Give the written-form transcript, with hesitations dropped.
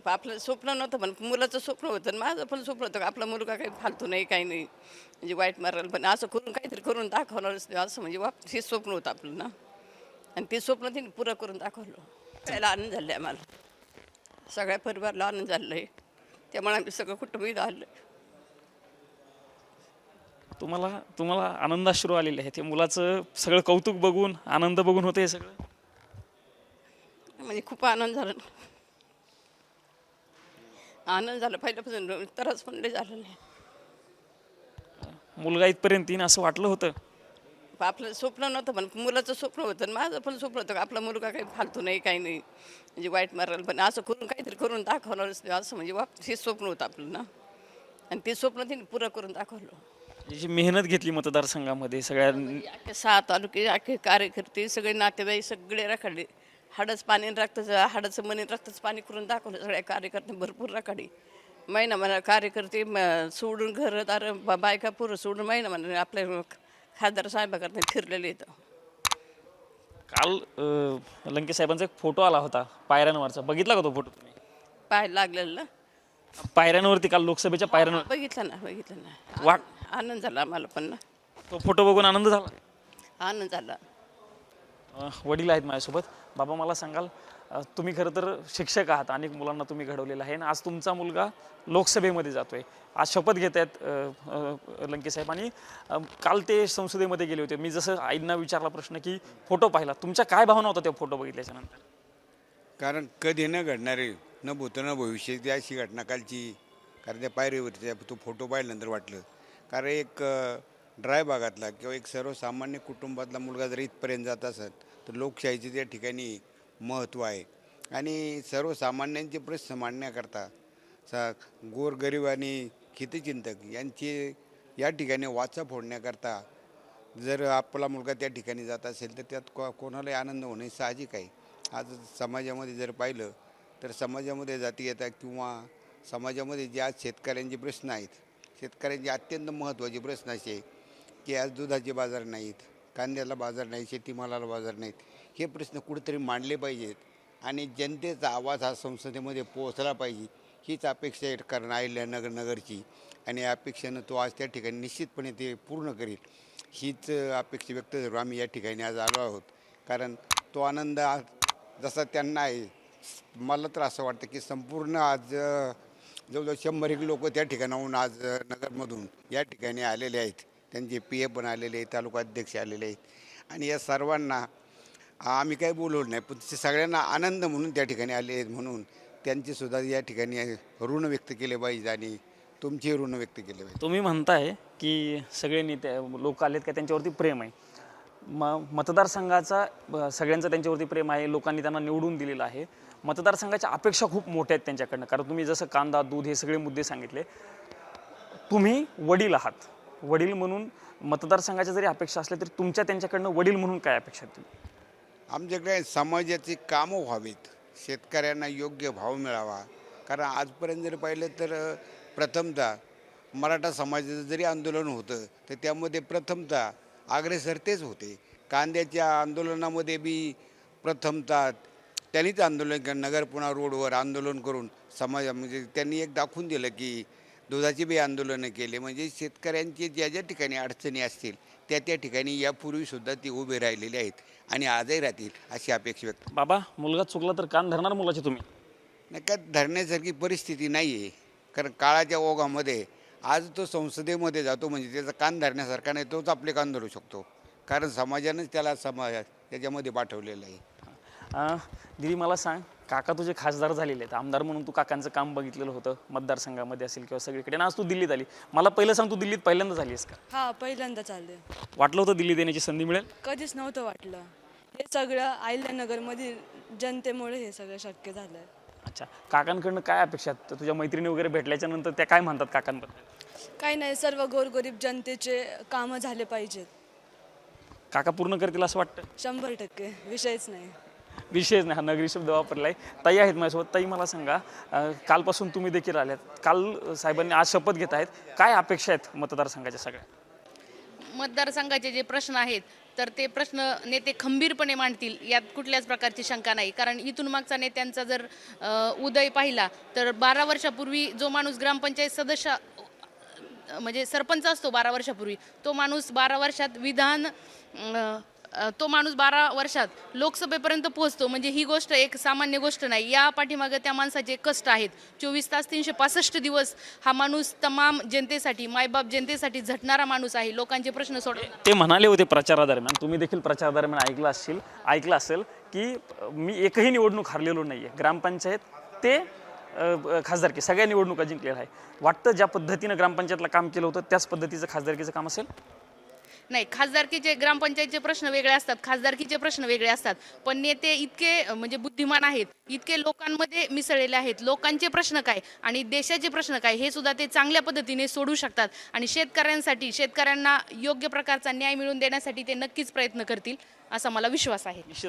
आपलं स्वप्न नव्हतं पण मुलाचं स्वप्न होतं आणि माझं पण स्वप्न होतं का आपला मुलगा काही फालतू नाही काही नाही म्हणजे वाईट मारायला पण असं करून काहीतरी करून दाखवणारच नाही असं म्हणजे हे स्वप्न होतं आपलं ना आणि ते स्वप्न तिने पुरं करून दाखवलं. सगळ्याला आनंद झाला आहे आम्हाला सगळ्या परिवाराला आनंद झाला आहे त्यामुळे आम्ही सगळं कुटुंब इथं आलं. तुम्हाला तुम्हाला आनंदाश्रू आलेले आहेत. हे मुलाचं सगळं कौतुक बघून आनंद बघून होतं हे सगळं. म्हणजे खूप आनंद झाला आनंद झाला पहिल्यापासून तरच पण लय झालं नाही. मुलगा इथपर्यंत येईन असं वाटलं होतं. आपलं स्वप्न नव्हतं पण मुलाचं स्वप्न होतं आणि माझं पण स्वप्न होतं का आपला मुलगा काही फालतू नाही काही नाही म्हणजे वाईट मारायला पण असं करून काहीतरी करून दाखवणारच नाही असं म्हणजे हे स्वप्न होतं आपलं ना आणि ते स्वप्न तिने पुरं करून दाखवलं. जी मेहनत घेतली मतदारसंघामध्ये सगळ्या अख्खे 6 तालुके अख्खे कार्यकर्ते सगळे नातेवाईक सगळे रखडले हाडच पाणी रक्ताचं हाडाचं मनी रक्ताचं पाणी करून दाखवलं सगळ्या कार्यकर्ते भरपूर रखडे महिना म्हणा कार्यकर्ते सोडून घर दार बायका पुरं सोडून महिना म्हणा आपल्या खासदार साहेबाकडनं फिरलेले येतं. काल लंके साहेबांचा एक फोटो आला होता पायऱ्यांवरचा. बघितला का तो फोटो तुम्ही? पाय लागलेलं ना पायऱ्यांवरती काल लोकसभेच्या पायऱ्यांवर बघितलं ना वाट आनंद झाला आम्हाला पण ना तो फोटो बघून आनंद झाला. आनंद झाला. वडील आहेत माझ्यासोबत. बाबा मला सांगाल तुम्ही खरं तर शिक्षक आहात अनेक मुलांना तुम्ही घडवलेलं आहे आणि आज तुमचा मुलगा लोकसभेमध्ये जातोय आज शपथ घेत आहेत लंके साहेब आणि काल ते संसदेमध्ये गेले होते. मी जसं आईंना विचारला प्रश्न की फोटो पाहिला तुमच्या काय भावना होता त्या फोटो बघितल्याच्या नंतर? कारण कधी न घडणारे न भूत न भविष्य ती अशी घटना कालची कारण त्या पायरीवरती तो फोटो पाहिल्यानंतर वाटलं कारण एक ड्राय भागातला किंवा एक सर्वसामान्य कुटुंबातला मुलगा जर इथपर्यंत जात असेल तर लोकशाहीचे त्या ठिकाणी महत्त्व आहे आणि सर्वसामान्यांचे प्रश्न मांडण्याकरता गोरगरीब आणि हितचिंतक यांची या ठिकाणी वाचा फोडण्याकरता जर आपला मुलगा त्या ठिकाणी जात असेल तर त्यात कोणालाही आनंद होणे साहजिक आहे. आज समाजामध्ये जर पाहिलं तर समाजामध्ये जातीयता किंवा समाजामध्ये जे आज शेतकऱ्यांचे प्रश्न आहेत शेतकऱ्यांचे अत्यंत महत्त्वाचे प्रश्न असे की आज दुधाचे बाजार नाहीत, कांद्याला बाजार नाही, शेतीमालाला बाजार नाहीत, हे प्रश्न कुठेतरी मांडले पाहिजेत आणि जनतेचा आवाज हा संसदेमध्ये पोहोचला पाहिजे हीच अपेक्षा आहे कारण नगरची आणि या अपेक्षेनं तो आज त्या ठिकाणी निश्चितपणे ते पूर्ण करेल हीच अपेक्षा व्यक्त करू आम्ही या ठिकाणी आज आलो आहोत. कारण तो आनंद आज जसा त्यांना आहे मला तर असं वाटतं की संपूर्ण आज जवळजवळ 100 लोक त्या ठिकाणाहून आज नगरमधून या ठिकाणी आलेले आहेत. त्यांचे PA पण आलेले आहेत, तालुका अध्यक्ष आलेले आहेत आणि या सर्वांना आम्ही काही बोलवलं नाही पण ते सगळ्यांना आनंद म्हणून त्या ठिकाणी आले आहेत म्हणून त्यांचेसुद्धा या ठिकाणी ऋण व्यक्त केले पाहिजे आणि तुमचे ऋण व्यक्त केले पाहिजे. तुम्ही म्हणताय की सगळे नेते लोक आलेत का त्यांच्यावरती प्रेम आहे मतदारसंघाचा सगळ्यांचं त्यांच्यावरती प्रेम आहे लोकांनी त्यांना निवडून दिलेलं आहे. मतदारसंघाच्या अपेक्षा खूप मोठ्या आहेत त्यांच्याकडनं कारण तुम्ही जसं कांदा दूध हे सगळे मुद्दे सांगितले. तुम्ही वडील आहात वडील म्हणून मतदारसंघाच्या जरी अपेक्षा असल्या तरी तुमच्या त्यांच्याकडनं वडील म्हणून काय अपेक्षा आहेत? आमच्याकडे समाजाची कामं व्हावीत शेतकऱ्यांना योग्य भाव मिळावा कारण आजपर्यंत जर पाहिलं तर प्रथमतः मराठा समाजाचं जरी आंदोलन होतं तर त्यामध्ये प्रथमतः अग्रेसर तेच होते. कांद्याच्या आंदोलनामध्ये बी प्रथमतः त्यांनीच आंदोलन नगर पुणा रोडवर आंदोलन करून म्हणजे त्यांनी एक दाखवून दिलं की दुधाची बी आंदोलनं केले म्हणजे शेतकऱ्यांचे ज्या ज्या ठिकाणी अडचणी असतील त्या ठिकाणी यापूर्वीसुद्धा ती उभे राहिलेले आहेत आणि आजही राहतील अशी अपेक्षा व्यक्त. बाबा मुलगा चुकला तर कान धरणार मुलाचे तुम्ही? नाही का धरण्यासारखी परिस्थिती नाही आहे कारण काळाच्या ओघामध्ये आज तो संसदेमध्ये जातो म्हणजे त्याचा कान धरण्यासारखा नाही तोच आपले कान धरू शकतो कारण समाजानंच त्याला त्याच्यामध्ये पाठवलेलं आहे. दिदी मला सांग काका तुझे खासदार झालेले आहेत आमदार म्हणून तू काकांचं काम बघितलेलं होतं मतदारसंघामध्ये असेल किंवा सगळीकडे आज तू दिल्लीत आली. मला पहिलं सांग तू दिल्लीत पहिल्यांदा झाली आहेस का? हा पहिल्यांदा चालले. वाटलं होतं दिल्लीत येण्याची संधी मिळेल? कधीच नव्हतं वाटलं. हे सगळं अहिल्यानगरमधील जनतेमुळे हे सगळं शक्य झालं. अच्छा काकांकडनं काय अपेक्षा आहेत? तुझ्या मैत्रिणी वगैरे भेटल्याच्या नंतर त्या काय म्हणतात काकांबद्दल? काही नाही सर्व गोरगरीब जनतेचे कामं झाले पाहिजेत. काका पूर्ण करतील असं वाटतं? 100% विषयच नाही. विशेष नाही हा नगरी शब्द वापरलाय. ताई आहेत माझ्यासोबत. ताई मला सांगा कालपासून तुम्ही देखील आल्यात काल साहेबांनी आज शपथ घेत आहेत काय अपेक्षा आहेत मतदारसंघाच्या सगळ्या? मतदारसंघाचे जे प्रश्न आहेत तर ते प्रश्न नेते खंबीरपणे मांडतील यात कुठल्याच प्रकारची शंका नाही. कारण इथून मागचा नेत्यांचा जर उदय पाहिला तर 12 वर्षापूर्वी जो माणूस ग्रामपंचायत सदस्य म्हणजे सरपंच असतो 12 वर्षापूर्वी, तो माणूस 12 वर्षात तो माणूस 12 वर्षात लोकसभेपर्यंत पोहोचतो. म्हणजे ही गोष्ट एक सामान्य गोष्ट नाही. या पाठीमागे त्या माणसाचे कष्ट आहेत. 24 तास 365 दिवस हा माणूस तमाम जनतेसाठी, मायबाप जनतेसाठी झटणारा माणूस आहे. लोकांचे प्रश्न सोडवणारा. ते म्हणाले होते प्रचारादरम्यान, तुम्ही देखील प्रचारादरम्यान ऐकलं असेल की मी एकही निवडणूक हारलेलो नाही आहे. ग्रामपंचायत ते खासदारकी सगळ्या निवडणुका जिंकलेल्या आहे. वाटतं ज्या पद्धतीनं ग्रामपंचायतला काम केलं होतं त्याच पद्धतीचं खासदारकीचं काम असेल? नाही, खासदारकीचे ग्रामपंचायतचे प्रश्न वेगळे असतात, खासदारकीचे प्रश्न वेगळे असतात. पण नेते इतके म्हणजे बुद्धिमान आहेत, इतके लोकांमध्ये मिसळलेले आहेत. लोकांचे प्रश्न काय आणि देशाचे प्रश्न काय हे सुद्धा ते चांगल्या पद्धतीने सोडू शकतात. आणि शेतकऱ्यांना योग्य प्रकारचा न्याय मिळवून देण्यासाठी ते नक्कीच प्रयत्न करतील असा मला विश्वास आहे.